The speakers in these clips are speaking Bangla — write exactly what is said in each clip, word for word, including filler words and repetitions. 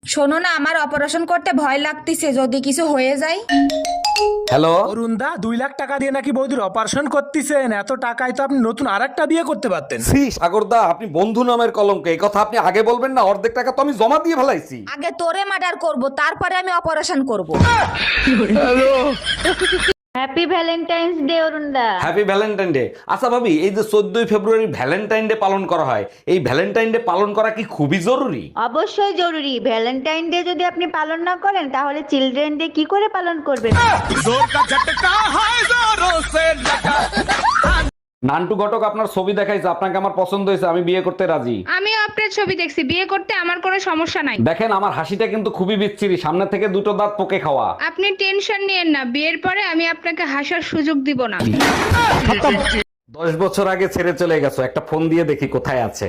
শোনো না, আমার অপারেশন করতে ভয় লাগতেছে, যদি কিছু হয়ে যায়। হ্যালো অরুণ দা, দুই লাখ টাকা দিয়ে নাকি বৌদির অপারেশন করতেছেন? এত টাকায় তো আপনি নতুন আরেকটা বিয়ে করতে পারতেন। সি সাগরদা, আপনি বন্ধু নামের কলঙ্ক। এই কথা আপনি আগে বলবেন না, অর্ধেক টাকা তো আমি জমা দিয়ে ফেলাইছি। আগে তোরে মার্ডার করব, তারপরে আমি অপারেশন করব। হ্যাপি ভ্যালেন্টাইন্স ডে অরুণদা। Happy Valentine day. আচ্ছা ভাবি, এই যে চোদ্দই ফেব্রুয়ারি ভ্যালেন্টাইন ডে পালন করা হয়, এই ভ্যালেন্টাইন ডে পালন করা কি খুবই জরুরি? অবশ্যই জরুরি। ভ্যালেন্টাইন ডে যদি আপনি পালন না করেন তাহলে চিলড্রেন ডে কি করে পালন করবেন? নান্টু ঘটক আপনার ছবি দেখাইছে, আপনাকে আমার পছন্দ হয়েছে, আমি বিয়ে করতে রাজি। আমিও আপনার ছবি দেখছি, বিয়ে করতে আমার কোনো সমস্যা নাই। দেখেন আমার হাসিটা কিন্তু খুবই বিচ্ছিরি, সামনে থেকে দুটো দাঁত পোকে খাওয়া। আপনি টেনশন নিয়েন না, বিয়ের পরে আমি আপনাকে হাসার সুযোগ দিব না। দশ বছর আগে ছেড়ে চলে গেছো, একটা ফোন দিয়ে দেখি কোথায় আছে।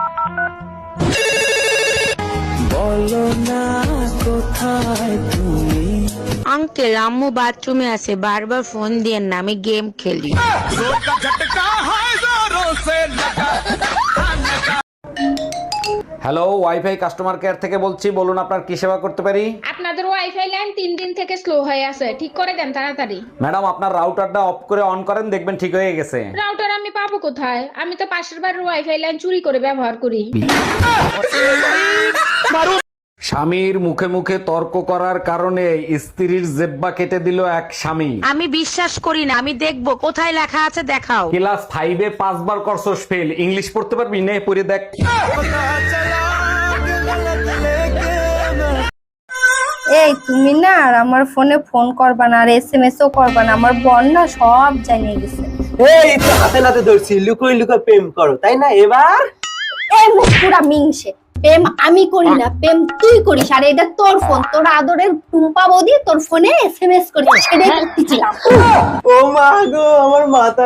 আঙ্কেল, আম্মু বাথরুমে আছে, বারবার ফোন দিয়েন না, আমি গেম খেলি। হ্যালো, ওয়াইফাই কাস্টমার কেয়ার থেকে বলছি, বলুন আপনার কি সেবা করতে পারি? আপনাদের ওয়াইফাই লাইন তিন দিন থেকে স্লো হয়ে আছে, ঠিক করে দেন তাড়াতাড়ি। ম্যাডাম আপনার রাউটারটা অফ করে অন করেন, দেখবেন ঠিক হয়ে গেছে। রাউটার আমি পাবো কোথায়? আমি তো পাশের বাড়ির ওয়াইফাই লাইন চুরি করে ব্যবহার করি। স্বামীর মুখে মুখে তর্ক করার কারণে স্ত্রীর জেব্বা কেটে দিল এক স্বামী। আমি বিশ্বাস করি না, আমি দেখবো কোথায় লেখা আছে, দেখাও। ক্লাস ফাইভে পাঁচবার করছস ফেল, ইংলিশ পড়তে পারবি? নে পড়ে দেখ। এই তুমি না আর আমার ফোনে ফোন করবা না, আর এস এম এস ও করবা না, আমার বোন না সব জানিয়ে গেছে। এই তো হাতে নাতে ধরছি, লুকোই লুকোই প্রেম করো, তাই না? এবার এই মুখ পুরা মিংসে, প্রেম আমি করি না, প্রেম তুই করিস, আর এটা তোর ফোন, তোর আদরের টুম্পা বৌদি তোর ফোনে এস এম এস করেছে, সেটাই করতেছিলাম। ও মা গো, আমার মাথা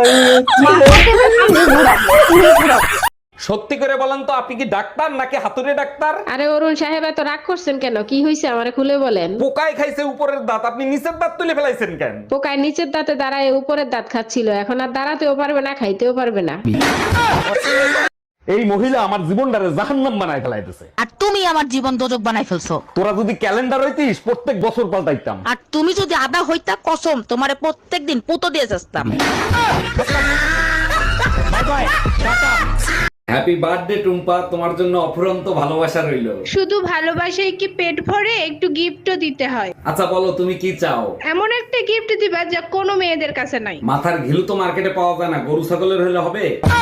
সত্যি করে বলেন তো, আপনি কি ডাক্তার নাকি হাতুড়ে ডাক্তার? আরে অরুণ সাহেব, এত রাগ করছেন কেন? কি হয়েছে আমারে খুলে বলেন। পোকায় খাইছে উপরের দাঁত, আপনি নিচের দাঁত তুলে ফেলাইছেন কেন? পোকায় নিচের দাঁতে দাঁড়ায় উপরের দাঁত খাচ্ছিল, এখন আর দাঁড়াতেও পারবে না, খাইতেও পারবে না। এই মহিলা আমার জীবনটারে জাহান্নাম বানায় ফেলাইতেছে। আর তুমি আমার জীবন দোজক বানাই ফেলছো। তোরা যদি ক্যালেন্ডার হইতিস, প্রত্যেক বছর পাল্টাইতাম। আর তুমি যদি আদা হইতা, কসম তোমারে প্রত্যেকদিন পুতো দিয়ে যাস্তাম। হ্যাপি বার্থডে টুম্পা, তোমার জন্য অফুরন্ত ভালোবাসা রইল। শুধু ভালোবাসায় কি পেট ভরে? একটু গিফটও দিতে হয়। আচ্ছা বলো, তুমি কি চাও? এমন একটা গিফট দিবা যা কোনো মেয়েদের কাছে নাই। মাথার ঘিলু তো মার্কেটে পাওয়া যায় না, গরু ছাগলের হলে হবে।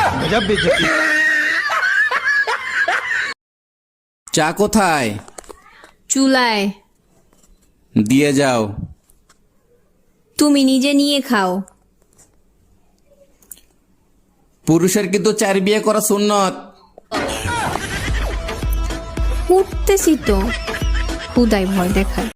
চা কোথায়? চুলায়। দিয়ে যাও। তুমি নিজে নিয়ে খাও। পুরুষের কিন্তু চার বিয়ে করা সুন্নত। উঠতেছি তো, খুদাই ভয় দেখায়।